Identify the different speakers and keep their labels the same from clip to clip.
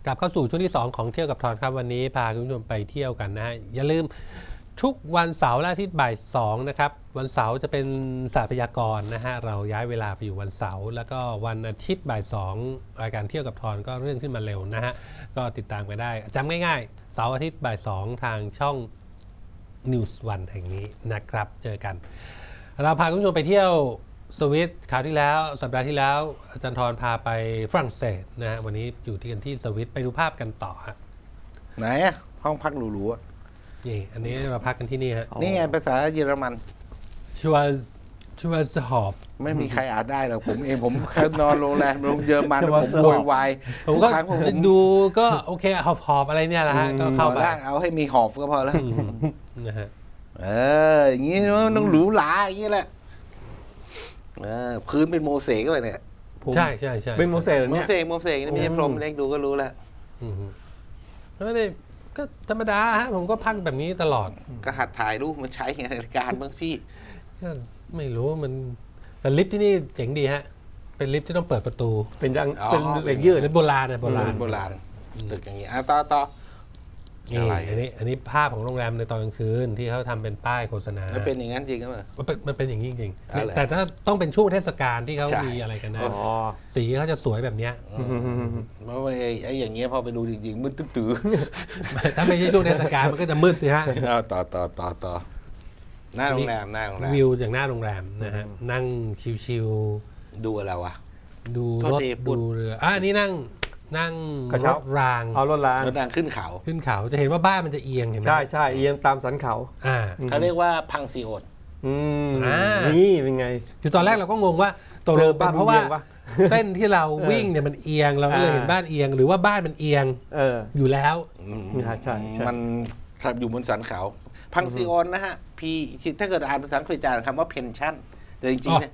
Speaker 1: กลับเข้าสู่ช่วงที่2ของเที่ยวกับทอนครับวันนี้พาคุณผู้ชมไปเที่ยวกันนะฮะอย่าลืมทุกวันเสาร์และอาทิตย์บ่าย2นะครับวันเสาร์จะเป็นศาสตร์พยากรณ์นะฮะเราย้ายเวลาไปอยู่วันเสาร์แล้วก็วันอาทิตย์บ่าย2รายการเที่ยวกับทอนก็เลื่อนขึ้นมาเร็วนะฮะก็ติดตามกันได้จำง่ายๆเสาร์อาทิตย์บ่าย2ทางช่อง News 1 แห่งนี้นะครับเจอกันเราพาคุณผู้ชมไปเที่ยวสวิตคราวที่แล้วสัปดาห์ที่แล้วอาจารย์ธรพาไปฝรั่งเศสนะฮะวันนี้อยู่ที่กันที่สวิตไปดูภาพกันต่อฮะ
Speaker 2: ไหนอะห้องพักหรูๆอะ
Speaker 1: นี่อันนี้เราพักกันที่นี่ฮะ
Speaker 2: นี่ไงภาษาเยอรมัน
Speaker 1: ชัวร์ฮอฟ
Speaker 2: ไม่มีใครอ่านได้หรอกผมเองผมแค่นอนโรงแรมโรงเยอรมันผมโวยวาย
Speaker 1: ผม
Speaker 2: ทุก
Speaker 1: ก็
Speaker 2: ครั้งผม
Speaker 1: ดูก็โอเคหอบอะไรเนี่ยแหละฮะก็เข้า
Speaker 2: พอ
Speaker 1: ไป
Speaker 2: ละเอาให้มีหอบก็พอแล้ว
Speaker 1: นะฮะ
Speaker 2: อย่างนี้มันต้องหรูหราอย่างนี้แหละพื้นเป็นโมเสกก็ไปเนี่ย
Speaker 1: ใช่
Speaker 3: เป็นโมเสส
Speaker 2: โม
Speaker 3: เนี่ย
Speaker 2: เสกนี่ไม่ใช่พรหมเล็กดูก็รู้แล้ว
Speaker 1: ไม่ได้ก็ธรรมดาฮะผมก็พักแบบนี้ตลอด
Speaker 2: ก็หัดถ่ายรูปมันใช้ในรายการบ้างพี่
Speaker 1: ก็ไม่รู้มันแต่ลิฟต์ที่นี่เจ๋งดีฮะเป็นลิฟต์ที่ต้องเปิดประตู
Speaker 3: เป็นยัง
Speaker 2: อ๋อ
Speaker 3: เป็นเหล็กยืด
Speaker 1: เป็นโบราณนะโบราณ
Speaker 2: โบราณตึกอย่างนี้ต่อ
Speaker 1: นี่
Speaker 2: อะไร
Speaker 1: อันนี้ภาพของโรงแรมในตอนกลางคืนที่เขาทำเป็นป้ายโฆษณา
Speaker 2: แล้วเป็นอย่างนั้นจริงก็เปล่า
Speaker 1: มันเป็นอย่างนี้จริง
Speaker 2: อ๋อเหรอ
Speaker 1: แต่ถ้าต้องเป็นช่วงเทศกาลที่เขา
Speaker 2: ใช่
Speaker 1: มีอะไรกันนะ
Speaker 3: อ๋อ
Speaker 1: สีเขาจะสวยแบบเนี้ย
Speaker 2: เพราะว่าไอ้อย่างเงี้ยพอไปดูจริงๆมืดตื้อ
Speaker 1: ถ้าไม่ใช่ช่วงเทศกาลมันก็จะมืดสิฮะ
Speaker 2: เอาต่อหน้าโรงแรม
Speaker 1: วิวจากหน้าโรงแรมนะฮะนั่งชิว
Speaker 2: ดูอะไรวะ
Speaker 1: ๆดู
Speaker 2: โทษ
Speaker 1: รถ
Speaker 2: ทีพูด
Speaker 1: ดูเรืออันนี้นั่ง
Speaker 3: กระ
Speaker 1: ร
Speaker 3: เช้า
Speaker 1: ถราง
Speaker 3: เอารถล้าง
Speaker 2: รถดังขึ้นเขา
Speaker 1: ขึ้นเขาจะเห็นว่าบ้านมันจะเอียงเห็นไหม
Speaker 3: ใช่เอียงตามสันเขา
Speaker 1: อ่า
Speaker 2: เขาเรียกว่าพังซีโอน
Speaker 3: อืม
Speaker 1: อ่า
Speaker 3: นี่เป็นไง
Speaker 1: คือตอนแรกเราก็งงว่าตกลงเป็นเพราะว่า
Speaker 3: บ้านมันเอียงปะ
Speaker 1: เส้นที่เราวิ่งเนี่ยมันเอียงเราก็เลยเห็นบ้านเอียงหรือว่าบ้านมันเอียง
Speaker 3: เออ
Speaker 1: อยู่แล้ว
Speaker 3: ใช่
Speaker 2: มันอยู่บนสันเขา พังซีโอนนะฮะ P ถ้าเกิดอ่านภาษาอังกฤษจะอ่านคำว่า pension แต่จริงๆเนี่ย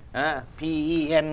Speaker 2: PEN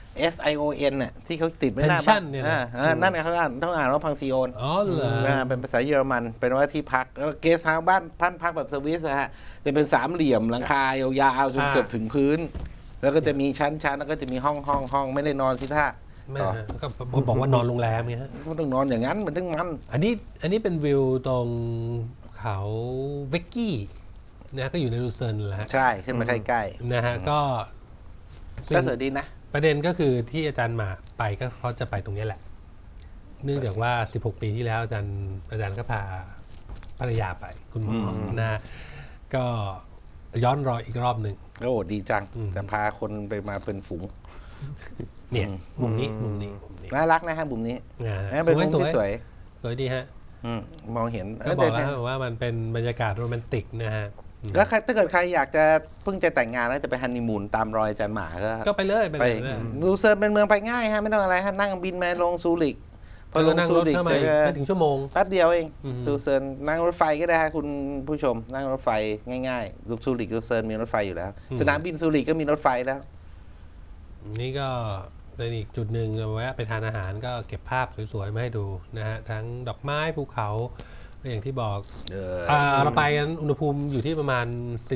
Speaker 2: SION เนี่ยที่เขาติดไว้หน้าบ้า
Speaker 1: pension
Speaker 2: น
Speaker 1: เนี่ยนะ
Speaker 2: นั่นไงเขาต้องอ่านว่าพังซีโอน
Speaker 1: อ๋อเหรอ
Speaker 2: เป็นภาษาเยอรมันเป็นว่าที่พักเกสเฮาส์บ้านพักแบบสวิสนะฮะจะเป็นสามเหลี่ยมหลังคายาวๆจนเกือบถึงพื้น แล้วก็จะมีชั้นแล้วก็จะมีห้องไม่ได้นอนสิท่า
Speaker 1: ไม่ฮะก็บอกว่านอนโรงแรมไงฮะ
Speaker 2: มันต้องนอนอย่างนั้นมันต้องมัน
Speaker 1: อันนี้เป็นวิวตรงเขาเวกกี้นะก็อยู่ในลูเซิร์นแหละฮะ
Speaker 2: ใช่ขึ้นมาใกล้
Speaker 1: นะฮะก็
Speaker 2: ๆก็สวยดีนะ
Speaker 1: ประเด็นก็คือที่อาจารย์มาไปก็เพราะจะไปตรงนี้แหละ เนื่องจากว่า 16 ปีที่แล้วอาจารย์ก็พาภรรยาไปคุณหมอนะก็ย้อนรอยอีกรอบหนึ่ง
Speaker 2: โอ้ดีจังแต่พาคนไปมาเป็นฝูง
Speaker 1: เนี่ยมุมนี้
Speaker 2: น่ารักนะฮะมุมนี้
Speaker 1: นะฮะ
Speaker 2: เป็นมุมที่สวย
Speaker 1: สวยดีฮะ
Speaker 2: มองเห็น
Speaker 1: ก็บอกแล้วว่ามันเป็นบรรยากาศโรแมนติกนะฮะ
Speaker 2: ก็ถ้าเกิดใครอยากจะเพิ่งจะแต่งงานแล้วจะไปฮันนีมูนตามรอยอาจารย์หมาก็
Speaker 1: ไปเลย
Speaker 2: ไปลูเซิร์นเป็นเมืองไปง่ายฮะไม่ต้องอะไรฮะนั่งบินมาลงซูริกพอลง
Speaker 1: นั่ง
Speaker 2: ซู
Speaker 1: รถ
Speaker 2: ริก
Speaker 1: เข้า
Speaker 2: เส
Speaker 1: มา
Speaker 2: ร็จ
Speaker 1: ไม่ถึงชั่วโมง
Speaker 2: แป๊บเดียวเอง
Speaker 1: อืม
Speaker 2: ลูเซิร์นนั่งรถไฟก็ได้ฮะคุณผู้ชม นั่งรถไฟง่ายๆลูซูริกลูเซิร์นมีรถไฟอยู่แล้ว สนามบินซูริกก็มีรถไฟแล้ว
Speaker 1: นี่ก็เป็นอีกจุดหนึ่งเราแวะไปทานอาหารก็เก็บภาพสวยๆมาให้ดูนะฮะทั้งดอกไม้ภูเขาก็อย่างที่บอกเราไปกันอุณหภูมิอยู่ที่ประมาณ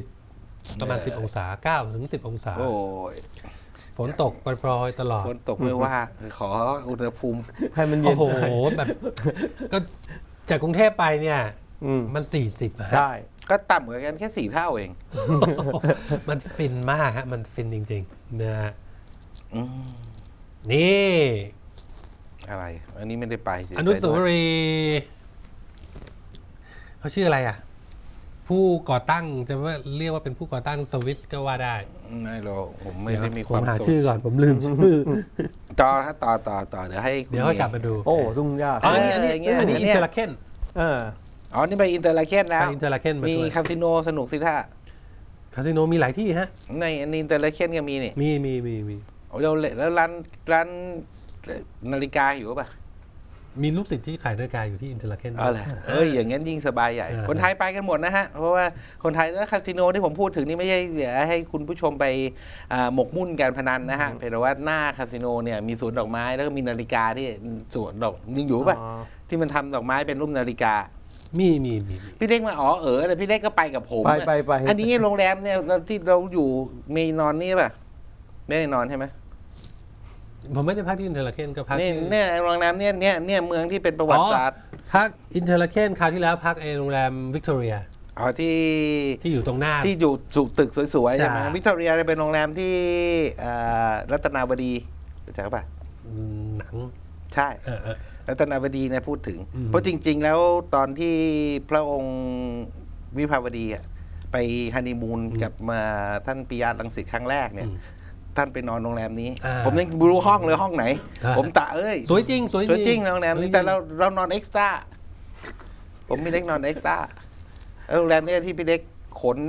Speaker 1: 10 องศา9 ถึง 10 องศา
Speaker 2: โอ้ย
Speaker 1: ฝนตกปรอยๆตลอด
Speaker 2: ฝนตกไม่ว่า ขออุณหภูมิ
Speaker 3: ให้มันเย็
Speaker 1: โอ้
Speaker 3: น
Speaker 1: โหแบบก็จากกรุงเทพไปเนี่ย มัน 40อะฮะ
Speaker 3: ใช่
Speaker 2: ก็ต่ำกว่ากันแค่4 เท่าเอง
Speaker 1: มันฟินมากฮะมันฟินจริงๆนะฮะ
Speaker 2: อืม
Speaker 1: นี่
Speaker 2: อะไร อันนี้ไม่ได้ไปเสียใจ
Speaker 1: อนุสาว
Speaker 2: ด้วย
Speaker 1: รีย์เขาชื่ออะไรอ่ะ ผู้ก่อตั้งจะว่าเรียกว่าเป็นผู้ก่อตั้งสวิสก็ว่าได้
Speaker 2: ไม่หรอกผมไม่ได้มีค
Speaker 1: ผ
Speaker 2: วาม
Speaker 1: หา
Speaker 2: สุข
Speaker 1: ชื่อก่อนผมลืมชื่อ
Speaker 2: ต่อฮะต่อเดี๋ยวให้คุณ
Speaker 1: เดี๋ยวค่อยกลับมาดู
Speaker 3: โอ้ทุ่งหญ้า
Speaker 1: อ๋ออันนี้
Speaker 2: อย่างเงี้ย
Speaker 1: อันนี้
Speaker 2: อัน
Speaker 1: อิ
Speaker 2: เนี้
Speaker 1: น
Speaker 2: ย
Speaker 1: เตอร์ลาเคน
Speaker 3: เออ
Speaker 2: อ๋อนี่ไปอินเตอร์ลาเคนแล้ว
Speaker 1: ไปอินเตอร์ลาเคนมา
Speaker 2: มี
Speaker 1: ด้วย
Speaker 2: คาสิโนสนุกสิท่า
Speaker 1: คาสิโนมีหลายที่ฮะ
Speaker 2: ในอินเตอร์ลาเคนก็มีนี่
Speaker 1: มี
Speaker 2: โอ้เราแล้วร้านนาฬิกาอยู่ป่ะ
Speaker 1: มีลูกศิษย์ที่ขายนาฬิกาอยู่ที่อินเตอร์ลาเคน
Speaker 2: อ๋อเหรออย่างงั้นยิ่งสบายใหญ่ คนไทยไปกันหมดนะฮะ เพราะว่าคนไทยแล้วคาสิโนที่ผมพูดถึงนี่ไม่ใช่เดี๋ยวให้คุณผู้ชมไปหมกมุ่นการพนันนะฮะเพียงแต่ว่าหน้าคาสิโนเนี่ยมีสวนดอกไม้แล้วก็มีนาฬิกาที่สวนดอกยังอยู่ป่ะ ที่มันทำดอกไม้เป็นรูปนาฬิกา
Speaker 1: มี
Speaker 2: พี่เล็กมาแต่พี่เล็กก็ไปกับผม
Speaker 3: ไป
Speaker 2: อันนี้โรงแรมเนี่ยที่เราอยู่มีนอนนี่ป่ะไม่ได้นอนใช่ไหม
Speaker 1: ผมไม่ได้พักที่อินเทอร์ลาเคนก็พัก
Speaker 2: นี่
Speaker 1: ที่
Speaker 2: เนี่ยโรงแรมเนี่ยเมืองที่เป็นประวัติศาสตร์
Speaker 1: พักอินเทอร์ลาเคนคราวที่แล้วพักโรงแรมวิกตอเรีย
Speaker 2: อ๋อที่
Speaker 1: ที่อยู่ตรงหน้า
Speaker 2: ที่อยู่สุตึกสวยๆ
Speaker 1: ใช่
Speaker 2: ใช่ไหมวิกตอเรียเป็นโรงแรมที่รัตนาบดีรู้จักป่ะ
Speaker 1: หนัง
Speaker 2: ใช่
Speaker 1: เออ
Speaker 2: รัตนาบดีเนี่ยพูดถึง
Speaker 1: อืม
Speaker 2: เพราะจริง ๆ แล้วตอนที่พระองค์วิภาวดีอะไปฮันนีมูนกับมาท่านปิยะรังสิตครั้งแรกเนี่ย ท่านไปนอนโรงแรมนี้ ผมยังไม่รู้ห้องเลยห้องไหน ผมตะเอ้ย
Speaker 1: สวยจริงสวย
Speaker 2: สวยจริงโรงแรมนี้แต่เรานอนเอ็กซ์ตร้าผมพี่เล็กนอนเอ็กซ์ตร้าโรงแรมนี้ที่พี่เล็กขน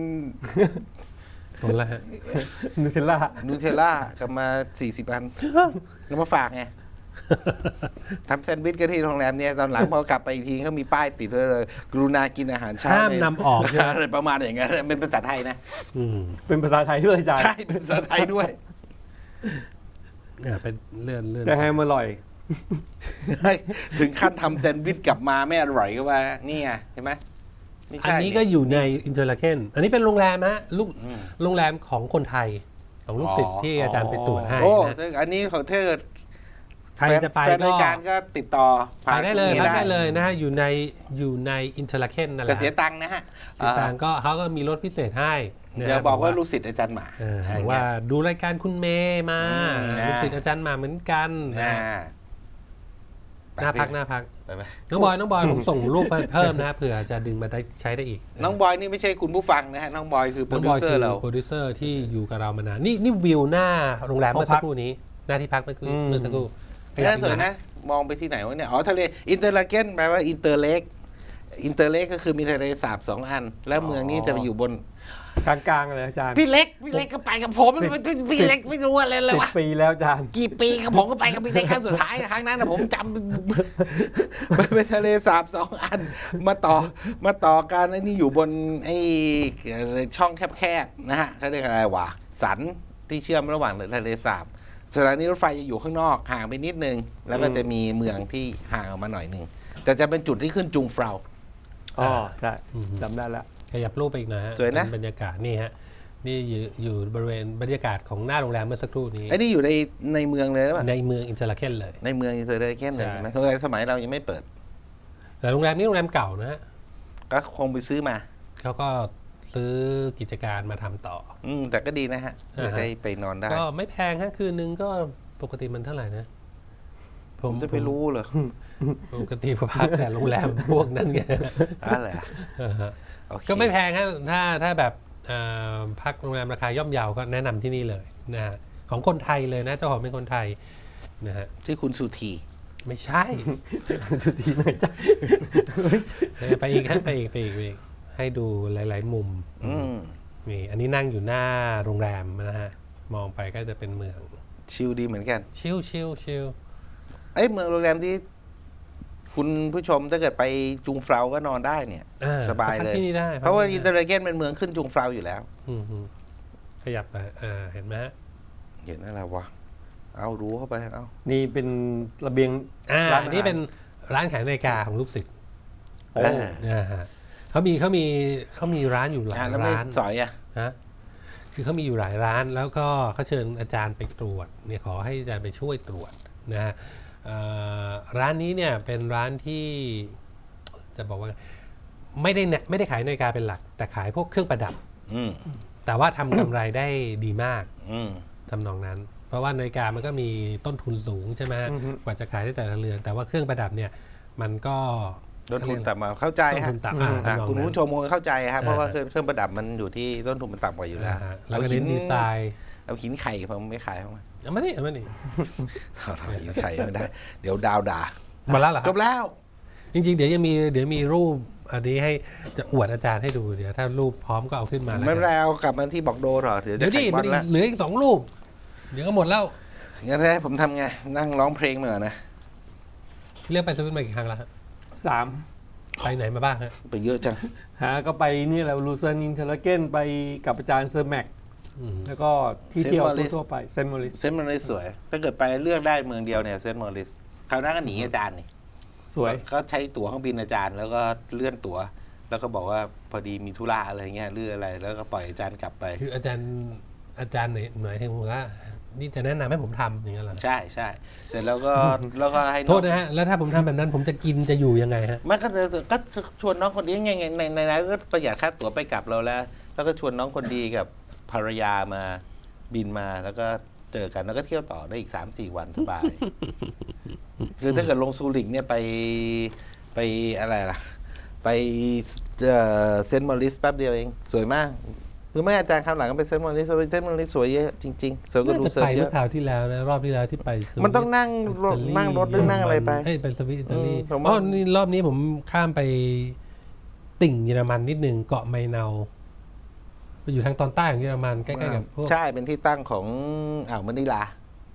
Speaker 1: หมดแล้วฮะ
Speaker 3: นูเทลล่า
Speaker 2: นูเทลล่ากลับมา 40 อันแล้วมาฝากไงทำแซนด์วิชกันที่โรงแรมเนี่ยตอนหลังพอกลับไปอีกทีเขามีป้ายติดไว้เลยกรุณากินอาหารเช้า
Speaker 1: ห้าม
Speaker 2: ใน
Speaker 1: นำออกใช่ไหม
Speaker 2: อะไรประมาณอย่างนั้นเป็นภาษาไทยนะ
Speaker 1: อืม
Speaker 3: เป็นภาษาไทยด้วยอาจารย์
Speaker 2: ใช่เป็นภาษาไทยด้วย
Speaker 1: เป็นเลื่อน
Speaker 3: แต่แฮมอร่อย
Speaker 2: ถึงขั้นทำแซนด์วิชกลับมาไม่อร่อยก็ว่านี่ไงเห็นไหมไม่
Speaker 1: อัน
Speaker 2: ใช่
Speaker 1: นี้ก็อยู่ในอินเทอร์ลาเคนอันนี้เป็นโรงแรมฮะลูก
Speaker 2: อืม
Speaker 1: โรงแรมของคนไทย ของลูกศิษย์ที่อาจารย์ไปตรวจให้
Speaker 2: โอ้
Speaker 1: นะ
Speaker 2: ซึ่งอันนี้ของเธอ
Speaker 1: ใครจะไป
Speaker 2: แฟน
Speaker 1: ก็
Speaker 2: รายการก็ติดต่อ
Speaker 1: ไปได้เลย
Speaker 2: นี้
Speaker 1: พักได้เลยนะฮะอยู่ในอินเทอร์ลาเคนนั่นแห
Speaker 2: แต่
Speaker 1: ละ
Speaker 2: เสียตังค์นะฮะ
Speaker 1: เสียตังค์ก็เขาก็มีรถพิเศษให้นะฮะ
Speaker 2: เดี๋ยวบอกว่าลูกศิษย์อาจารย์หมา
Speaker 1: บอกว่าดูรายการคุณเมย์มา
Speaker 2: นะ
Speaker 1: ลูกศิษย์อาจารย์มาเหมือนกันนะ
Speaker 2: อ่า
Speaker 1: หน้าพัก
Speaker 2: ไปไหม
Speaker 1: น้องบอยผมส่งรูปไปเพิ่มนะเผื่อจะดึงมาได้ใช้ได้อีก
Speaker 2: น้องบอยนี่ไม่ใช่คุณผู้ฟังนะฮะน้องบอยคือโปร
Speaker 1: น้อง
Speaker 2: ดิ
Speaker 1: บ
Speaker 2: ว
Speaker 1: อย
Speaker 2: เซอ
Speaker 1: คื
Speaker 2: ร์เรา
Speaker 1: โปรดิวเซอร์ที่อยู่กับเรามานานนี่วิวหน้าโรงแรมเมื่อสักครู่นี้หน้าที่พักเมื่อสักครู่ขยับ
Speaker 2: น่าสวยนะ มองไปที่ไหนวะเนี่ยอ๋อทะเลอินเตอร์ลาเกนแปลว่าอินเตอร์เล็กอินเตอร์เล็กก็คือมีทะเลสาบ2 อัน แล้วเมืองนี้จะไปอยู่บน
Speaker 3: กลางๆเลยอาจารย์
Speaker 2: พี่เล็กก็ไปกับผมพี่เล็กไม่รู้อะไรเลย
Speaker 3: 10
Speaker 2: วะ
Speaker 3: ปีแล้วอาจารย์
Speaker 2: กี่ปีกับผมก็ไปกับพี่เล็กครั้งสุดท้ายครั้งนั้นนะผมจำ ไปเป็นทะเลสาบ2 อัน มาต่อกันไอ้นี่อยู่บนไอ้ช่องแคบๆนะฮะเขาเรียกอะไรวะสันที่เชื่อมระหว่างทะเลสาบสถานีรถไฟจะอยู่ข้างนอกห่างไปนิดนึง แล้วก็จะมีเมืองที่ห่างออกมาหน่อยนึงแต่จะเป็นจุดที่ขึ้นจุงเฟรา
Speaker 3: อ๋อใช่จำได้แล้ว
Speaker 1: ขยับรูปไปอีกหนะฮะ
Speaker 2: สวยนะ
Speaker 1: เป็นบรรยากาศนี่ฮะนี่อยู่บริเวณบรรยากาศของหน้าโรงแรมเมื่อสักครู่นี้
Speaker 2: ไอ้นี่อยู่ในเมืองเลยหรือเปล่า
Speaker 1: ในเมืองอินเทอร์ลาเคนเลย
Speaker 2: ในเมืองอินเตอร์เคนเลย
Speaker 1: ใช่
Speaker 2: ใช่ไหมสมัยเรายังไม่เปิด
Speaker 1: แต่โรงแรมนี้โรงแรมเก่านะฮะ
Speaker 2: ก็คงไปซื้อมา
Speaker 1: เขาก็ซื้อกิจการมาทำต่อ
Speaker 2: แต่ก็ดีนะฮะ
Speaker 1: อ่าฮะ
Speaker 2: จะได้ไปนอนได้
Speaker 1: ก็ไม่แพงฮะคืนนึงก็ปกติมันเท่าไหร่นะ
Speaker 2: ผมจะไปรู้เหรอ
Speaker 1: ปกติพักแต่โรงแรมพวกนั้นไง
Speaker 2: อะไรอ่ะ โอเค
Speaker 1: ก็ไม่แพงฮะถ้าแบบพักโรงแรมราคาย่อมเยาก็แนะนำที่นี่เลยนะฮะของคนไทยเลยนะเจ้าของเป็นคนไทยนะฮะ
Speaker 2: ชื่อคุณสุธี
Speaker 1: ไม่ใช่
Speaker 3: สุดทีหน่อยจ้ะ
Speaker 1: ไปอีกฮะไปอีกให้ดูหลาย ๆ มุม นี่อันนี้นั่งอยู่หน้าโรงแรมนะฮะมองไปก็จะเป็นเมือง
Speaker 2: ชิลดีเหมือนกัน
Speaker 1: ชิล
Speaker 2: เมืองโรงแรมที่คุณผู้ชมถ้าเกิดไปจุงเฟลาก็นอนได้เนี่ย สบายเลย
Speaker 1: พักที่นี่ได้
Speaker 2: เพราะว่า
Speaker 1: พัก
Speaker 2: อิ
Speaker 1: ที่
Speaker 2: นเตอร์เคนเป็นเมืองขึ้นจุงเฟลาอยู่แล้ว
Speaker 1: อืมขยับไปเห็นไหมฮะ
Speaker 2: เห็นอะไรวะ เอารู้เข้าไปเอา
Speaker 3: นี่เป็นระเบียงร้านอาหาร
Speaker 1: อันนี้เป็นร้านขายนาฬิกาของลูกศิษย์
Speaker 2: โอ้
Speaker 1: ฮะเขามีร้านอยู่หลาย
Speaker 2: แล้วไม่
Speaker 1: ร้าน
Speaker 2: สอยอ่ะ
Speaker 1: ฮะคือเขามีอยู่หลายร้านแล้วก็เขาเชิญอาจารย์ไปตรวจเนี่ยขอให้อาจารย์ไปช่วยตรวจนะฮะร้านนี้เนี่ยเป็นร้านที่จะบอกว่าไม่ได้ขายนาฬิกาเป็นหลัก แต่ขายพวกเครื่องประดับ
Speaker 2: อืม
Speaker 1: แต่ว่าทำกำไรได้ดีมาก
Speaker 2: อืม
Speaker 1: ทำนองนั้น เพราะว่านาฬิกามันก็มีต้นทุนสูงใช่ไหมฮะกว่าจะขายได้แต่ละเรือนแต่ว่าเครื่องประดับเนี่ยมันก็
Speaker 2: ต้นทุนต่ำมาเข้าใจ
Speaker 1: ต้น
Speaker 2: ฮะ
Speaker 1: ทุนต่ำทำนอง
Speaker 2: คุณ
Speaker 1: นั้น
Speaker 2: ผู้ชมคงเข้าใจครับเพราะว่าเครื่องประดับมันอยู่ที่ต้นทุนมันต่ำกว่าอยู่แล้ว
Speaker 1: ฮะแล้วก็เน้นดีไซน์
Speaker 2: เอาหินไข่ผมไม่ขายเขามา
Speaker 1: เอามานี่
Speaker 2: เอาหินไข่ไม่ได้ เดี๋ยวดาวด่า
Speaker 1: มาแล้วเหรอค
Speaker 2: จ
Speaker 1: รับบ
Speaker 2: แล้ว
Speaker 1: จริงๆเดี๋ยวมีรูปอันนี้ให้จะอวดอาจารย์ให้ดูเดี๋ยวถ้ารูปพร้อมก็เอาขึ้นมาแล้ว
Speaker 2: ไม่
Speaker 1: กั
Speaker 2: เป็น
Speaker 1: น
Speaker 2: ไรเอากลับมาที่บอกโดเหรอเดี๋ยว
Speaker 1: เดี๋ยวดิ
Speaker 2: จะ
Speaker 1: มัน
Speaker 2: แข่งบอลแล้ว
Speaker 1: เหลืออีก2 รูป เดี๋ยวก็หมดแล้ว
Speaker 2: งั้นให้ผมทำไง นั่งร้องเพลงมาก่อนนะ
Speaker 1: เรียกไปสวิตมากี่ครั้งแล้วฮะ
Speaker 3: 3
Speaker 1: ไปไหนมาบ้างฮะ
Speaker 2: ไปเยอะจัง
Speaker 3: ก็ไปนี่แหละลูเซอร์นินเทอร์เกนไปกับอาจารย์เซอร์แม็ก
Speaker 1: อืม
Speaker 3: แล้วก็ที่เที่ยวทั่วไปเซนต์มอริส
Speaker 2: เซนต์มอริสสวย ถ้าเกิดไปเลือกได้เมืองเดียวเนี่ยเซนต์มอริสคราวหน้าก็หนีอาจารย์นี่
Speaker 3: สวย
Speaker 2: ก็ใช้ตั๋วเครื่องบินอาจารย์ แล้วก็เลื่อนตั๋ว แล้วก็บอกว่าพอดีมีธุระอะไรเงี้ยเรื่องอะไร แล้วก็ปล่อยอาจารย์กลับไป
Speaker 1: คืออาจารย์ไหนถึงว่านี่จะแนะนำให้ผมทำอย่างนั้นเหรอ
Speaker 2: ใช่ใช่เสร็จแล้วก็แล้วก็ให้น้
Speaker 1: โท
Speaker 2: อง
Speaker 1: ษนะฮะแล้วถ้าผมทำแบบนั้นผมจะกินจะอยู่ยังไงฮะ
Speaker 2: มันก็ชวนน้องคนนี้ไงในนั้นก็ประหยัดค่าตั๋วไปกลับเราแล้วก็ชวนน้องคนดีกับภรรยามาบินมาแล้วก็เจอกันแล้วก็เที่ยวต่อได้อีก 3-4 วันสบาย คือถ้าเกิดลงซูริกเนี่ยไปอะไรล่ะ ไปเซนต์มอริสแป๊บเดียวเอง สวยมากหรือไม่อาจารย์คำหลังก็ไปเซนต์มอริสสวยเยอะจริงๆสวยกว่าดู
Speaker 1: น่าจะ
Speaker 2: เซิร์
Speaker 1: ไป
Speaker 2: ฟเย
Speaker 1: เมื่อ
Speaker 2: อะ
Speaker 1: คราวที่แล้วนะรอบที่แล้วที่ไปสวิต
Speaker 2: มันต้องนั่งรถ
Speaker 1: อิตาลี
Speaker 2: นั่งรถหรือนั่งอะไรไป
Speaker 1: เอ้ยเป็นสวิตอิตาลี
Speaker 2: ผมว่า
Speaker 1: อ๋อนี่รอบนี้ผมข้ามไปติ่งเยอรมันนิดนึงเกาะไมเนาไปอยู่ทางตอนใต้ของเยอรมันใกล้ๆกับพวก
Speaker 2: ใช่เป็นที่ตั้งของอ่าวมะนิลา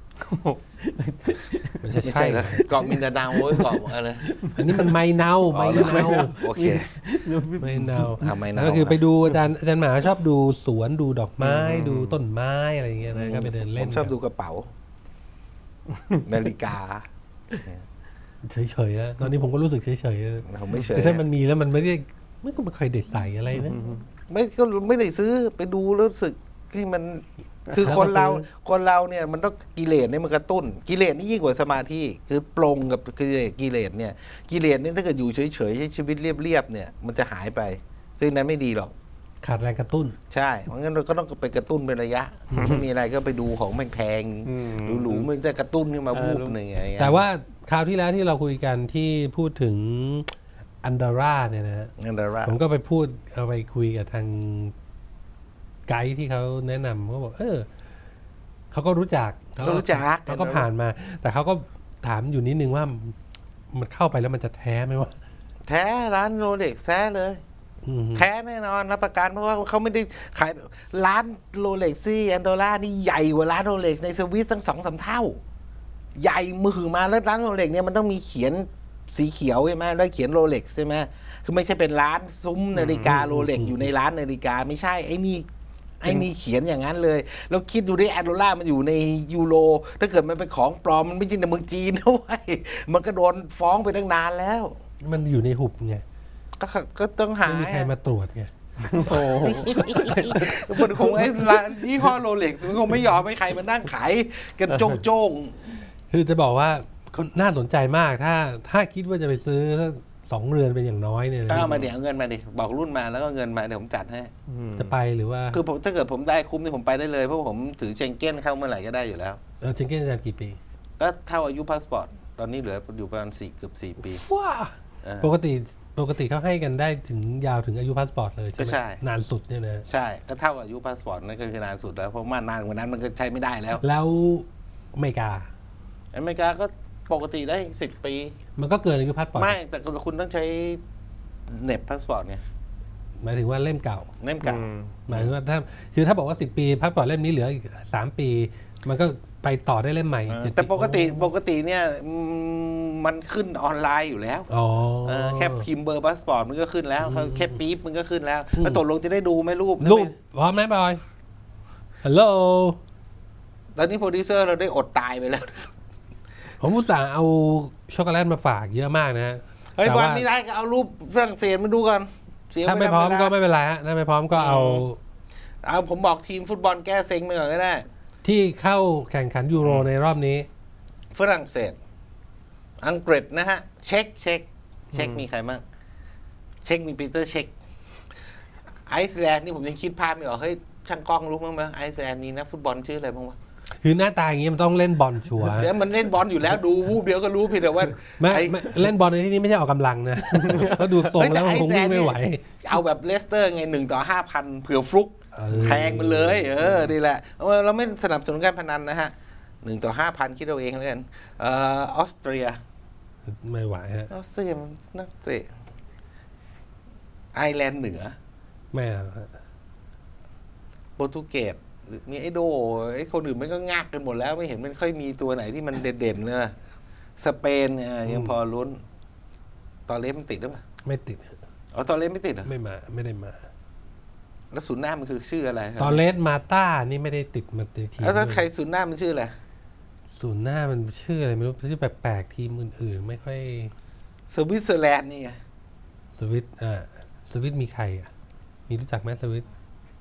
Speaker 1: ไม่ใช่
Speaker 2: ไม่
Speaker 1: ใช่
Speaker 2: ใช่เหรอเกาะมินดาเนาเว้ยเกาะอะไร
Speaker 1: อันนี้มันไมเนาไมเนา
Speaker 2: โอเค
Speaker 1: ไมเนา
Speaker 2: ไมเนา
Speaker 1: ก็คือไปดูอาจารย์หมาชอบดูสวนดูดอกไม้ดูต้นไม้อะไรอย่างเงี้ยนะก็ไปเดิน
Speaker 2: ผ
Speaker 1: เล่น
Speaker 2: มชอบดูกระเป๋า นาฬิกา
Speaker 1: เฉยๆนะตอนนี้ผมก็รู้สึกเฉยๆ
Speaker 2: ผมไม่เฉย
Speaker 1: คือถ้ามันมีแล้วมันไม่ได้ไม่ก็ไม่เคยเด็ดใส่อะไรนะ
Speaker 2: ไม่ก็ไม่ได้ซื้อไปดูแล้วรู้สึกที่มัน คือคนเราเนี่ยมันต้องกิเลสเนี่ยมันกระตุ้น กิเลสนี่ยิ่งกว่าสมาธิคือปลงกับกิเลสเนี่ยกิเลสนี่ถ้าเกิดอยู่เฉยๆใช้ชีวิตเรียบๆเนี่ยมันจะหายไป ซึ่งนั้นไม่ดีหรอก
Speaker 1: ขาดแรงกระตุ้น
Speaker 2: ใช่เพราะงั้นเราก็ต้องไปกระตุ้นเป็นระยะไม่มีอะไรก็ไปดูของแพงๆหรูๆมันจะกระตุ้นขึ้นมาวูบหนึ่งอะไรเงี้ย
Speaker 1: แต่ว่าคราวที่แล้วที่เราคุยกันที่พูดถึงอันดาร่าเนี่ยนะฮะ
Speaker 2: นั่นแหละว่า
Speaker 1: ผมก็ไปพูดเอาไปคุยกับทางไกด์ที่เขาแนะนำเขาบอกเขาก็รู้จัก
Speaker 2: ก็รู้จัก
Speaker 1: เขาก็ผ่านมา แต่เขาก็ถามอยู่นิดนึงว่ามันเข้าไปแล้วมันจะแท้ไหมวะ
Speaker 2: แท้ร้านโรเล็กแท้เลย
Speaker 1: อืม
Speaker 2: แท้แน่นอนรับประกันเพราะว่าเขาไม่ได้ขายร้านโรเล็กซี่อันโดล่านี่ใหญ่กว่าร้านโรเล็กในสวิสตั้ง2-3 เท่า ใหญ่มือมาแล้วร้านโรเล็กเนี่ยมันต้องมีเขียนสีเขียวใช่ไหมแล้วเขียนโรเล็กใช่ไหมคือไม่ใช่เป็นร้านซุ้มนาฬิกาโรเล็กอยู่ในร้านนาฬิกาไม่ใช่ไอ้นี่เขียนอย่างนั้นเลยแล้วคิดดูดิแอนโดล่ามันอยู่ในยูโรถ้าเกิดมันเป็นของปลอมมันไม่ใช่ในเมืองจีนนะเว้ยมันก็โดนฟ้องไปตั้งนานแล้ว
Speaker 1: มันอยู่ในหุบไง
Speaker 2: ก็ต้องหา
Speaker 1: ไม่มีใครมาตรวจไง
Speaker 3: โอ้โห
Speaker 2: มันคงไอ้ร้านยี่ห้อโรเล็กซ์มันคงไม่ยอมให้ใครมานั่งขายกันโจ้ง
Speaker 1: คือจะบอกว่าน่าสนใจมากถ้าคิดว่าจะไปซื้อสัก2 เรือนเป็นอย่างน้อยเนี่ย
Speaker 2: ๆก็เอามาเดี๋ยวเอาเงินมาดิบอกรุ่นมาแล้วก็เงินมาเดี๋ยวผมจัดให้
Speaker 1: จะไปหรือว่า
Speaker 2: คือผมถ้าเกิดผมได้คุ้มนี่ผมไปได้เลยเพราะผมถือเชงเก้นเข้าเมื่อไหร่ก็ได้อยู่แล้ว
Speaker 1: เชงเก้นอาจารย์กี่ปี
Speaker 2: ก็เท่าอายุพาสปอร์ตตอนนี้เหลืออยู่ประมาณเกือบ4 ปี
Speaker 1: ว้า
Speaker 2: เออ
Speaker 1: ปกติเขาให้กันได้ถึงยาวถึงอายุพาสปอร์ตเลยใช่ไหม
Speaker 2: ก็ใช่
Speaker 1: นานสุดเนี่ยนะ
Speaker 2: ใช่ก็เท่าอายุพาสปอร์ตนั่นก็คือนานสุดแล้วเพราะว่านานกว่านั้นมันก็ใช้ไม่ได้แล้ว
Speaker 1: แล้วอเมริกา
Speaker 2: อเมริกาก็ปกติได้10 ปี
Speaker 1: มันก็เกินอายุพาสปอร์ต
Speaker 2: ไม่แต่คุณต้องใช้เน็บพาสปอร์ตไง
Speaker 1: หมายถึงว่าเล่มเก่า
Speaker 2: เล่มเก่า
Speaker 1: หมายถึงว่าถ้าบอกว่า10 ปีพาสปอร์ตเล่มนี้เหลืออีก3 ปี มันก็ไปต่อได้เล่มใหม่อีก7
Speaker 2: แต่ปกติเนี่ยมันขึ้นออนไลน์อยู่แล้ว
Speaker 1: อ๋อ
Speaker 2: แค่พิมพ์เบอร์พาสปอร์ตมันก็ขึ้นแล้วแค่ปี๊บมันก็ขึ้นแล้วแล้วตกลงจะได้ดูไหมรูป
Speaker 1: รูปพร้อมไหมบอยฮัลโหล
Speaker 2: ตอนนี้โปรดิวเซอร์เราได้อดตายไปแล้ว
Speaker 1: ผมอุตส่าห์เอาช็อกโกแลตมาฝากเยอะมากนะฮะ
Speaker 2: เฮ้ย
Speaker 1: แต่
Speaker 2: วั
Speaker 1: ว่า
Speaker 2: นไม่ได้ก็เอารูปฝรั่งเศสมาดูก่อนเสีย
Speaker 1: ถ้าไม่พร้อม
Speaker 2: เวลา
Speaker 1: ก็ไม่เป็นไรฮะถ้าไม่พร้อมก็เอา
Speaker 2: เอาผมบอกทีมฟุตบอลแก้เซ็งไปก่อนก็ได้
Speaker 1: ที่เข้าแข่งขันยูโรในรอบนี้
Speaker 2: ฝรั่งเศส อังกฤษนะฮะ เช็กมีใครบ้างเช็กมีปีเตอร์เช็กไอซ์แลนด์นี่ผมยังคิดภาพไม่ออกเฮ้ยช่างกล้องรู้มั้งไหมไอซ์แลนด์มีนักฟุตบอลชื่ออะไรบ้างวะ
Speaker 1: คือหน้าตาอย่างนี้มันต้องเล่นบอลชัวร์
Speaker 2: แล้วมันเล่นบอลอยู่แล้วดูวูบเดียวก็รู้เพียงแต่ว่า
Speaker 1: ไม่
Speaker 2: ไอ้
Speaker 1: ไม่เล่นบอลในที่นี้ไม่ใช่ออกกำลังนะ เพราะดูทรงแล้วมันคงวิ่งไม่ไหว
Speaker 2: เอาแบบเลสเตอร์ไง1/5,000เผื่อฟลุก แทงมันเลยนี่แหละเราไม่สนับสนุนการพนันนะฮะ1/5,000คิดเอาเองแล้วกันออสเตรีย
Speaker 1: ไม่ไหวฮะ
Speaker 2: ออสเตรียมันนักเตะไอร์แลนด์เหนือ
Speaker 1: ไม่เอาฮะ
Speaker 2: โปรตุเกสหรือมีไอโดไอคนอื่นมันก็งักกันหมดแล้วไม่เห็นมันค่อยมีตัวไหนที่มันเด่นๆเลยสเปนยังพอลุ้นตอเลสมันติดหรือเปล่า
Speaker 1: ไม่ติดฮะ
Speaker 2: อ๋อตอเลสไม่ติดเหรอ
Speaker 1: ไม่ได้มา
Speaker 2: แล้วศูนย์หน้ามันคือชื่ออะไรครับ
Speaker 1: ตอนเลสมาต้านี่ไม่ได้ติดมาในทีม
Speaker 2: แล้วถ้าใครศูนย์หน้ามันชื่ออะไร
Speaker 1: ศูนย์หน้ามันชื่ออะไรไม่รู้ชื่อแปลกๆทีมอื่นๆ ไม่ค่อย
Speaker 2: สวิตเซอร์แลนด์นี่ไง
Speaker 1: สวิตมีใครอ่ะมีรู้จักไหมสวิต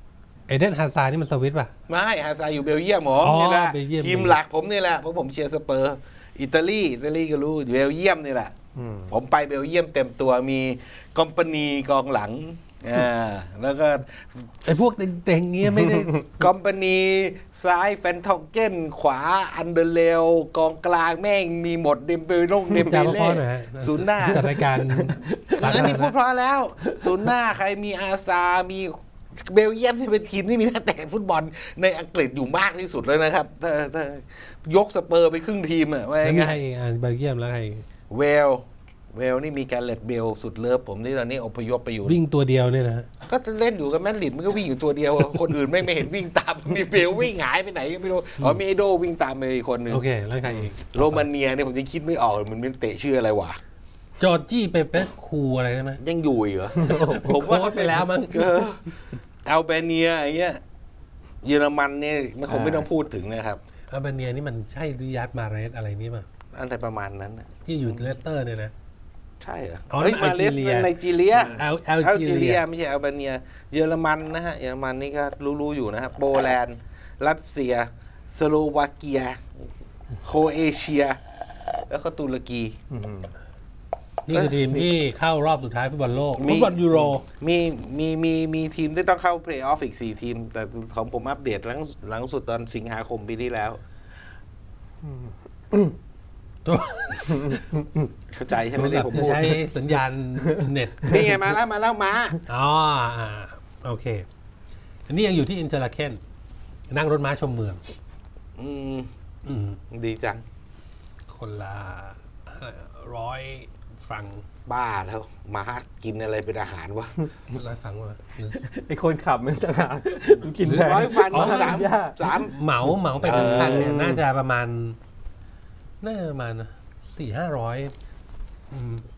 Speaker 1: เอเดนฮาซาร์นี่มันสวิตป่ะ
Speaker 2: ไม่ฮาซาอยู่เบลเยียมผม
Speaker 1: อ๋อ
Speaker 2: นี่แหละ
Speaker 1: เบลเยียม
Speaker 2: ทีมหลักผมนี่แหละเพราะผมเชียร์สเปอร์อิตาลีก็รู้เบลเยียมนี่แหละ ผมไปเบลเยียมเต็มตัวมีคอมพานีกองหลังแล้วก็
Speaker 1: ไอ้พวกเต็งๆเงี้ยไม่ได้
Speaker 2: คอมพานีซ้ายแฟนทองเก้นขวาอันเดอร์เลวกองกลางแม่งมีหมดเดมเบลงเดมเบ
Speaker 1: จา
Speaker 2: เล่
Speaker 1: พ่อหน่อยฮะ
Speaker 2: ศูนย์หน้า
Speaker 1: จัดรายการ
Speaker 2: อันนี้พูดเพราะแล้ว ศูนย์หน้าใครมีอาซา มีเบลเยียมที่เป็นทีมที่มีนักเตะฟุตบอลในอังกฤษอยู่มากที่สุดเลยนะครับถ้ายกสเปอร์ไปครึ่งทีมอะว่า
Speaker 1: แล้วมี
Speaker 2: ไง
Speaker 1: ใครอีกเบลเยียมแล้วใคร
Speaker 2: เวลนี่มีการเลตเบลสุดเลิฟผมที่ตอนนี้อพยพไปอยู่
Speaker 1: วิ่งตัวเดียวเนี่ยนะ
Speaker 2: ก็เล่นอยู่กับแมดริดมันก็วิ่งอยู่ตัวเดียว คนอื่นไม่เห็นวิ่งตาม มีเบลวิ่งหายไปไหนก็ไม่รู้อ๋อมีไอโดวิ่งตามไปอีกคนหนึ่ง
Speaker 1: โอเคแล้วใครอีก
Speaker 2: โรมาเนียเนี่ยผมจะคิดไม่ออกมันเป็นเตะชื่ออะไรวะ
Speaker 1: จอร์จี้เปเปสคูอะไรได้ไหม
Speaker 2: ยังอยู่อีกเหรอ
Speaker 1: ผมว่าไปแล้วมั้ง
Speaker 2: อัลเบเนียไอ้เงี้ยเยอรมันเนี่ยมันคงไม่ต้องพูดถึงนะครับ
Speaker 1: อัลเบเนียนี่มันใช่ริยัตมาเรสอะไรนี่ป่ะ
Speaker 2: อะไรประมาณนั้นน่ะ
Speaker 1: ที่อยู่เลสเตอร์เนี่ยนะ
Speaker 2: ใช่เหรอ
Speaker 1: อ๋อ
Speaker 2: เฮ้ย
Speaker 1: นั่
Speaker 2: มาน เลส
Speaker 1: ไนจีเรีย
Speaker 2: ไนจีเรีย
Speaker 1: แอล
Speaker 2: อัล
Speaker 1: จี
Speaker 2: จี
Speaker 1: เรี
Speaker 2: เรี
Speaker 1: ย
Speaker 2: ยไม่ใช่อัลเบเนียเยอรมันนะฮะเยอรมันนี่ก็รู้ๆอยู่นะครับโปแลนด์รัสเซียสโลวาเกียโครเอเชีย แล้วก็ตุรกี
Speaker 1: นี่คือทีมที่เข้ารอบสุดท้ายฟุตบอลโลกฟุตบอลยูโร
Speaker 2: มีทีมที่ต้องเข้าเพลย์ออฟอีก4ทีม แต่ของผมอัปเดตหลังสุดตอนสิงหาคมปีที่แล้ว
Speaker 1: ตัว
Speaker 2: เข้าใจใช่ไหมที่ผมพูด
Speaker 1: ใช้สัญญาณเน็ต
Speaker 2: นี่ไงมาแล้วมา
Speaker 1: อ๋อโอเค อันนี้ยังอยู่ที่อินเตอร์ลาเคนนั่งรถม้าชมเมือง
Speaker 2: อืม
Speaker 1: อืม
Speaker 2: ดีจัง
Speaker 1: คนละ100 ฟัง
Speaker 2: บ้าแล้วมากินอะไรเป็นอาหารวะ
Speaker 1: 100 ฟังว่า
Speaker 3: ไอ้คนขับมันต่างหากกินแพง
Speaker 2: 100 ฟัน
Speaker 1: อ๋อ
Speaker 2: สาม
Speaker 1: เหมาไปทั้งคันเนี่ยน่าจะประมาณ400-500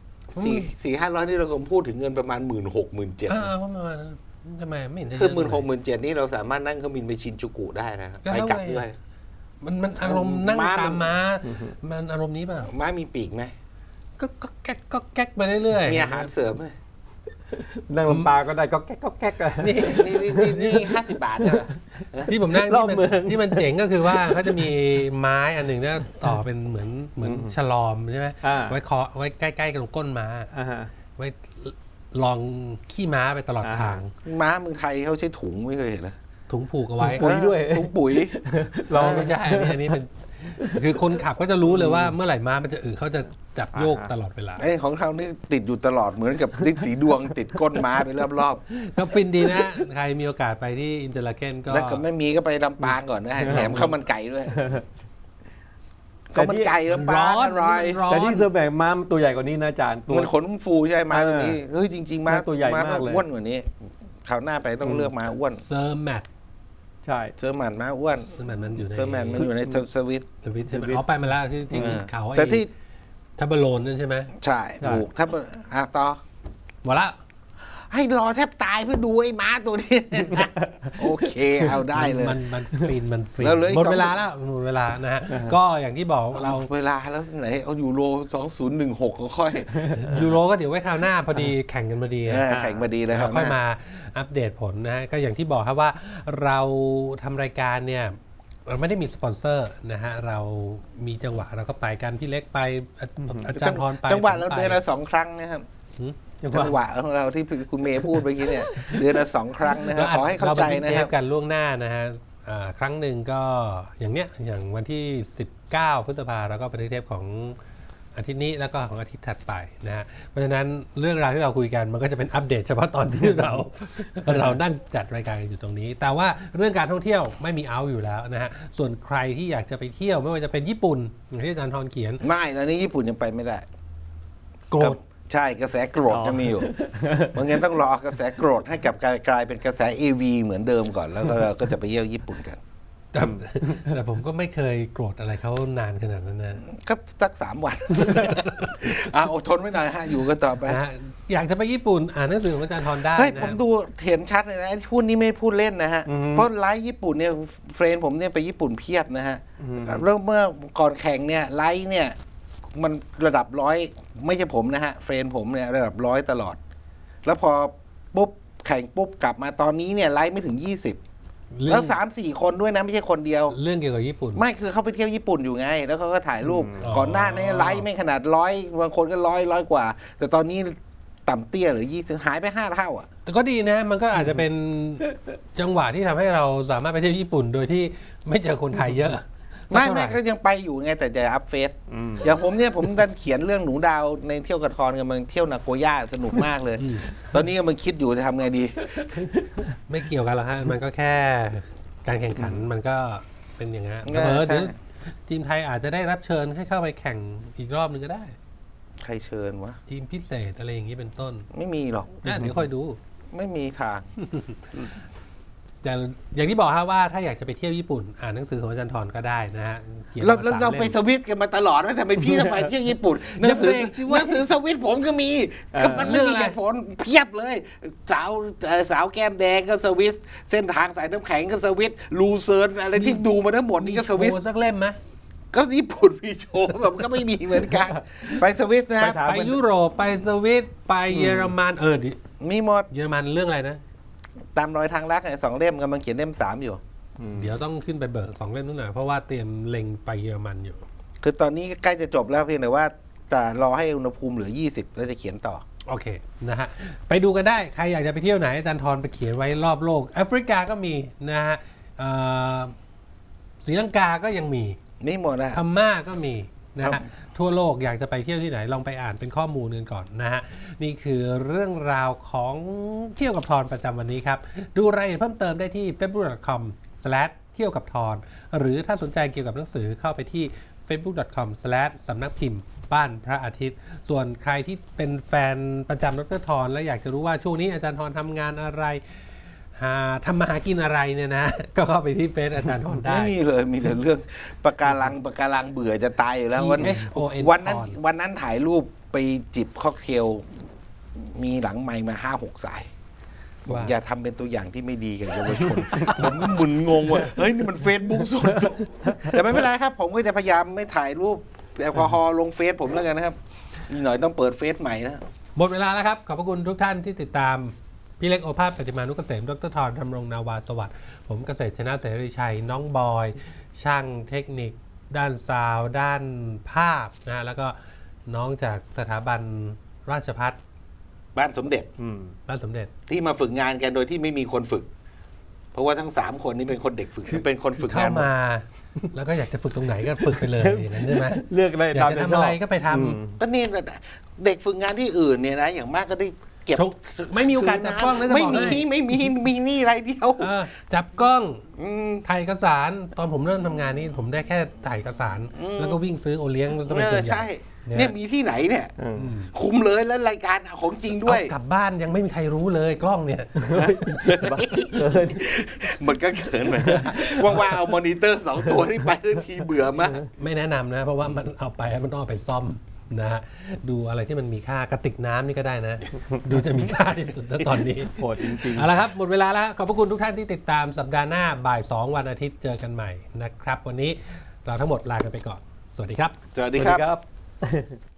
Speaker 2: 400-500นี่เราคงพูดถึงเงินประมาณ 16,000-17,000
Speaker 1: ประมาณนั้นทำไมไม่เห็นจะ
Speaker 2: คือ
Speaker 1: เยะเลย
Speaker 2: 16,000-17,000นี่เราสามารถนั่งเครื่องบินไปชินจูกุได้นะ
Speaker 1: ก็
Speaker 2: ไป
Speaker 1: เท่า
Speaker 2: กลับ
Speaker 1: ไง
Speaker 2: ด้วย
Speaker 1: มันอารมณ์นั่ง
Speaker 2: ม้า
Speaker 1: ตามม้ามันอารมณ์นี้เปล่า
Speaker 2: ม้ามีปีกไหม
Speaker 1: ก็แก๊กไปเรื่อยๆ
Speaker 2: มีอาหารเสริมไหม
Speaker 3: นั่งลำปางก็ได้ก็แก๊กก็แก๊กอะ
Speaker 1: นี่
Speaker 2: นี่50 บาทเนี่ยเหรอ
Speaker 1: ที่ผมนั่ง
Speaker 3: รอบเมือง
Speaker 1: ที่มันเจ๋งก็คือว่าเขาจะมีไม้อันหนึ่งเนี่ยต่อเป็นเหมือนฉลอมใช่ไหม
Speaker 3: อ่า
Speaker 1: ไว้เคาะไว้ใกล้ๆกับก้นม้า
Speaker 3: อ่าฮะ
Speaker 1: ไว้ลองขี้ม้าไปตลอดทาง
Speaker 2: ม้าเมืองไทยเขาใช้ถุงไม่เคยเห็นเหรอ
Speaker 1: ถุงผูกเอาไว้
Speaker 3: ปุ๋ยด้วย
Speaker 2: ถุงปุ๋ย
Speaker 1: ลองไม่ใช่อันนี้เป็นคือคนขับก็จะรู้เลยว่าเมื่อไหร่ม้ามันจะเขาจะจับโยกตลอดเวลา
Speaker 2: ไอ้ของเขานี่ติดอยู่ตลอดเหมือนกับติดสีดวง ติดก้นม้าไปรอบ
Speaker 1: ก็ฟินดีนะ ใครมีโอกาสไปที่อินเตอร์ลาเคนก็
Speaker 2: ๆแล้วก็ไม่มีก็ไปลำปางก่อนนะแถมข้าวมันไก่ด้วยข้าวมันไก่ลำปางอร่อย
Speaker 1: ร้อน
Speaker 3: แต่ที่เซอร์แบกม้ามันตัวใหญ่กว่านี้นะอาจารย์ตัว
Speaker 2: มันขนฟูใช่ไหมม้าตัวนี้เฮ้ยจริงๆม้า
Speaker 3: ตัวใหญ่มาก
Speaker 2: ต้อง
Speaker 3: เลย
Speaker 2: อ้วนกว่านี้คราวหน้าไปต้องเลือกม้าอ้วน
Speaker 1: เซอร์แมท
Speaker 3: ใช่
Speaker 2: เจอร์แมนม้าอ้วน
Speaker 1: เซอร์แมทมันอยู่ใน
Speaker 2: เจอร์แมนมันอยู่ในสวิต
Speaker 1: สวิตใช่ไหมอ๋อไปมาแล้วที่เขาไอ้
Speaker 2: แต่ที่
Speaker 1: ทับเบอร์โลนนั่นใช่ไหม
Speaker 2: ใช่ถูกถ้าต่อ
Speaker 1: หมดละ
Speaker 2: ให้รอแทบตายเพื่อดูไอ้ม้าตัวนี้ โอเคเอาได้เลย
Speaker 1: มันฟิน
Speaker 2: แล้วเหลืออีก
Speaker 1: หมด
Speaker 2: สอง
Speaker 1: เวลาแล้วหมดเวลานะฮะก็อย่างที่บอกเรา
Speaker 2: เวลาแล้วไหนเอายูโร2016ก็ค่อย
Speaker 1: ยูโรก็เดี๋ยวไว้คราวหน้าพอดีแข่งกันพอดี
Speaker 2: แข่งมาดีเลยครั
Speaker 1: เรา
Speaker 2: บ
Speaker 1: ค่อยมาอัปเดตผลนะฮะก็อย่างที่บอกครับว่าเราทำรายการเนี่ยเราไม่ได้มีสปอนเซอร์นะฮะเรามีจังหวะเราก็ไปกันพี่เล็กไปอาจารย์พรไป
Speaker 2: จังหวะเรา
Speaker 1: ผมไป
Speaker 2: เดือนละ2 ครั้งนะครับ
Speaker 1: หืม
Speaker 2: จังหวะของเราที่คุณเมย์พูดเมื่อกี้เนี่ยเดือนละ2 ครั้งนะครับขอให้เข้าใจนะ
Speaker 1: เท
Speaker 2: ครั
Speaker 1: ป
Speaker 2: บ
Speaker 1: กันล่วงหน้านะฮะครั้งหนึ่งก็อย่างวันที่ 19 พฤษภาเราก็เป็นเทปของอาทิตย์นี้แล้วก็ของอาทิตย์ถัดไปนะฮะเพราะฉะนั้นเรื่องราวที่เราคุยกันมันก็จะเป็นอัปเดตเฉพาะตอนที่เรา เรานั่งจัดรายการกันอยู่ตรงนี้ แต่ว่าเรื่องการท่องเที่ยวไม่มีเอาอยู่แล้วนะฮะส่วนใครที่อยากจะไปเที่ยวไม่ว่าจะเป็นญี่ปุ่นอย่างที่อาจารย์ทรเขียน
Speaker 2: ไม่ตอนนี้ญี่ปุ่นยังไปไม่ได้
Speaker 1: โกรธ
Speaker 2: ใช่กระแสโกรธจะมีอยู่เพราะงั้นต้องรอกระแสโกรธให้กลายเป็นกระแส AV เหมือนเดิมก่อนแล้วก็จะไปเที่ยวญี่ปุ่นกัน
Speaker 1: แต่ผมก็ไม่เคยโกรธอะไรเขานานขนาดนั้นนะ
Speaker 2: ก็สัก3 วัน อดทนไว้หน่อยฮะอยู่กันต่อไป
Speaker 1: นะฮะอยากจะไปญี่ปุ่นอ่านหนังสือของอาจารย์ทรได้
Speaker 2: เฮ้ย
Speaker 1: นะ
Speaker 2: ผมดูเห็นชัดเลยนะไอ้พูดนี้ไม่พูดเล่นนะฮะ เพราะไลฟ์ญี่ปุ่นเนี่ยเฟรนด์ผมเนี่ยไปญี่ปุ่นเพียบนะฮะเริ่มเมื่อก่อนแข่งเนี่ยไลฟ์เนี่ยมันระดับ100ไม่ใช่ผมนะฮะเฟรนด์ผมเนี่ยระดับ100ตลอด แล้วพอปุ๊บแข่งปุ๊บกลับมาตอนนี้เนี่ยไลฟ์ไม่ถึง20 แล้ว3-4 คนด้วยนะไม่ใช่คนเดียว
Speaker 1: เรื่องเกี่ยวกับญี่ปุ่น
Speaker 2: ไม่คือเขาไปเที่ยวญี่ปุ่นอยู่ไง แล้วเขาก็ถ่ายรูป
Speaker 1: อ๋อ
Speaker 2: ก่อนหน้านี้ไลค์ไม่ขนาด100บางคนก็ร้อยกว่า แต่ตอนนี้ต่ำเตี้ยหรือ20หายไป5 เท่าอ่ะ
Speaker 1: แต่ก็ดีนะ มันก็อาจจะเป็นจังหวะที่ทำให้เราสามารถไปเที่ยวญี่ปุ่น โดยที่ไม่เจอคนไทยเยอะ
Speaker 2: ไม่
Speaker 1: สักเท่าหร่
Speaker 2: ก็ยังไปอยู่ไงแต่จะอัพเฟซอย่างผมเนี่ยผมดันเขียนเรื่องหนูดาวในเที่ยวกระทอนกันมันเที่ยวนาโกย่าสนุกมากเลย ตอนนี้กำลังคิดอยู่จะทำไงดี
Speaker 1: ไม่เกี่ยวกันหรอกฮะ มันก็แค่การแข่งขันมันก็เป็นอย่างนั้น
Speaker 2: ใช่
Speaker 1: เผลอๆเดี๋ยวทีมไทยอาจจะได้รับเชิญให้เข้าไปแข่งอีกรอบนึงก็ได้
Speaker 2: ใครเชิญวะ
Speaker 1: ทีมพิเศษอะไรอย่างนี้เป็นต้น
Speaker 2: ไม่มีหรอก
Speaker 1: เดี๋ยวค่อยดู
Speaker 2: ไม่มีทาง
Speaker 1: แต่อย่างที่บอกฮะว่าถ้าอยากจะไปเที่ยวญี่ปุ่น อ่านหนังสือของอาจารย์ทรก็ได้นะฮะขียน
Speaker 2: เรา
Speaker 1: ม
Speaker 2: เรา
Speaker 1: 3
Speaker 2: ไป
Speaker 1: ล่ม
Speaker 2: สวิตกันมาตลอดว่าทำไมพี่ต้องไปเที่ยวญี่ปุ่นหนังสือ
Speaker 1: อย่าเบรกสิวะ
Speaker 2: หนังสือสวิตผมก็มีก็มันไม่มีเหตุผลเพียบเลยสาวแก้มแดงก็สวิสเส้นทางสายน้ำแข็งก็สวิสลูเซิร์นอะไรที่ดูมาทั้งหมดนี่ก็สวิส
Speaker 1: โชว์สักเล่มไหม
Speaker 2: ก็ญี่ปุ่นมีโชว์แบบก็ไม่มีเหมือนกัน ไปสวิสนะครับ
Speaker 1: ไปยุโรปไปสวิตไปเยอรมันดิ
Speaker 2: มีหมด
Speaker 1: เยอรมันเรื่องอะไรนะ
Speaker 2: ตามรอยทางรักไง2 เล่มกำลังเขียนเล่ม 3อยู่
Speaker 1: เดี๋ยวต้องขึ้นไปเบิก2 เล่มนู่นหน่อยเพราะว่าเตรียมเล็งไปเยอรมันอยู่
Speaker 2: คือตอนนี้ใกล้จะจบแล้วเพียงแต่ว่าจะรอให้อุณหภูมิเหลือ20แล้วจะเขียนต่อ
Speaker 1: โอเคนะฮะไปดูกันได้ใครอยากจะไปเที่ยวไหนอาจารย์ทรไปเขียนไว้รอบโลกแอฟริกาก็มีนะฮะศรีลังกาก็ยังมี
Speaker 2: นี่หมดนะ
Speaker 1: พม่าก็มีนะ
Speaker 2: ครั
Speaker 1: ฮะ
Speaker 2: บ
Speaker 1: ทั่วโลกอยากจะไปเที่ยวที่ไหนลองไปอ่านเป็นข้อมูลกันก่อนนะฮะนี่คือเรื่องราวของเที่ยวกับทรประจำวันนี้ครับดูรายละเอียดเพิ่มเติมได้ที่ facebook.com/ เที่ยวกับทรหรือถ้าสนใจเกี่ยวกับหนังสือเข้าไปที่ facebook.com/ สำนักพิมพ์บ้านพระอาทิตย์ ส่วนใครที่เป็นแฟนประจำดร.ทรและอยากจะรู้ว่าช่วงนี้อาจารย์ทรทำงานอะไรทำมาหากินอะไรเนี่ยนะ ก็เข้าไปที่เฟซอาจารย์ทรได้
Speaker 2: ไม่มีเลยมีแต่เรื่องปะการังเบื่อจะตายอยู่แล้ววัน
Speaker 1: THON
Speaker 2: วันนั้นถ่ายรูปไปจิบค็อกเทลมีหลังไมค์มา 5-6 สายบอก
Speaker 1: ว่า
Speaker 2: อย่าทำเป็นตัวอย่างที่ไม่ดีกับเยาวชน ผมก็มึนงงว่าเฮ้ยนี่มันเฟซบุ๊กสด แต่ไม่เป็นไรครับ ผมก็จะพยายามไม่ถ่ายรูปแอลกอฮอล์ลงเฟซผมแล้วกันนะครับอีกหน่อยต้องเปิดเฟซใหม่นะ
Speaker 1: หมดเวลาแล้วครับ ขอบพระคุณทุกท่านที่ติดตาม พี่เล็กโอภาสปฏิมานุกเกษมดร.ทรธำรงนาวาสวัสดิ์ผมเกษตรชนะเสรีชัย น้องบอย ช่างเทคนิค ด้านซาวด์ด้านภาพนะแล้วก็น้องจากสถาบันราชภัฏ
Speaker 2: บ้านสมเด็จ
Speaker 1: บ้านสมเด็จ
Speaker 2: ที่มาฝึกงานกันโดยที่ไม่มีคนฝึก เพราะว่าทั้ง3 คนนี้เป็นคนเด็กฝึกเป็นคนฝึกานหมด
Speaker 1: เข้างมา แล้วก็อยากจะฝึกตรงไหนก็ฝึกไปเลยอย่างนั้นใช่ไหม
Speaker 3: เลือกได้
Speaker 1: อยา
Speaker 3: ตาก ม
Speaker 1: จะ
Speaker 3: ใจ
Speaker 1: ทำ
Speaker 3: ช
Speaker 1: อะ
Speaker 3: อบ
Speaker 1: ไรก็ไปท
Speaker 2: ก็นี่เด็กฝึกงานที่อื่นเนี่ยนะอย่างมากก็ได้เก็บ
Speaker 1: ำไม่มีโอกาสจับกล้องนะจะ
Speaker 2: ไม่
Speaker 1: บอก
Speaker 2: มี
Speaker 1: ให้
Speaker 2: มีนี่ไรเดียว
Speaker 1: จับกล้อง
Speaker 2: อืม
Speaker 1: ถ่ายเอกสารตอนผมเริ่มทำงานนี่ผมได้แค่ถ่ายเอกสาร แล้วก็วิ่งซื้อโอเลี้ยงแล้วก็เป็นส่วนใหญ่
Speaker 2: ใช่ เนี่ยมีที่ไหนเนี่ย
Speaker 3: อืม
Speaker 2: คุ้มเลยแล้วรายการของจริงด้วย
Speaker 1: เอากลับบ้านยังไม่มีใครรู้เลยกล้องเนี่ย
Speaker 2: มันก็เขินเหมือนกันว่างๆเอามอนิเตอร์ 2 ตัวที่ไปทีเบื่อมาก
Speaker 1: ไม่แนะนำนะ เพราะว่ามันเอาไปมันต้องเอาไปซ่อมนะฮะดูอะไรที่มันมีค่ากระติกน้ำนี่ก็ได้นะ ดูจะมีค่าที่สุดนะตอนนี้
Speaker 3: โหดจริงๆ
Speaker 1: เอาละครับ หมดเวลาแล้วขอบพระคุณทุกท่านที่ติดตามสัปดาห์หน้าบ่าย 2 วันอาทิตย์เจอกันใหม่นะครับ วันนี้เราทั้งหมดลากันไปก่อน สวัสดีครับ
Speaker 2: สวัส
Speaker 3: ส
Speaker 2: ดี
Speaker 3: วัส
Speaker 2: ค
Speaker 3: ดี
Speaker 2: รับ
Speaker 3: ครับ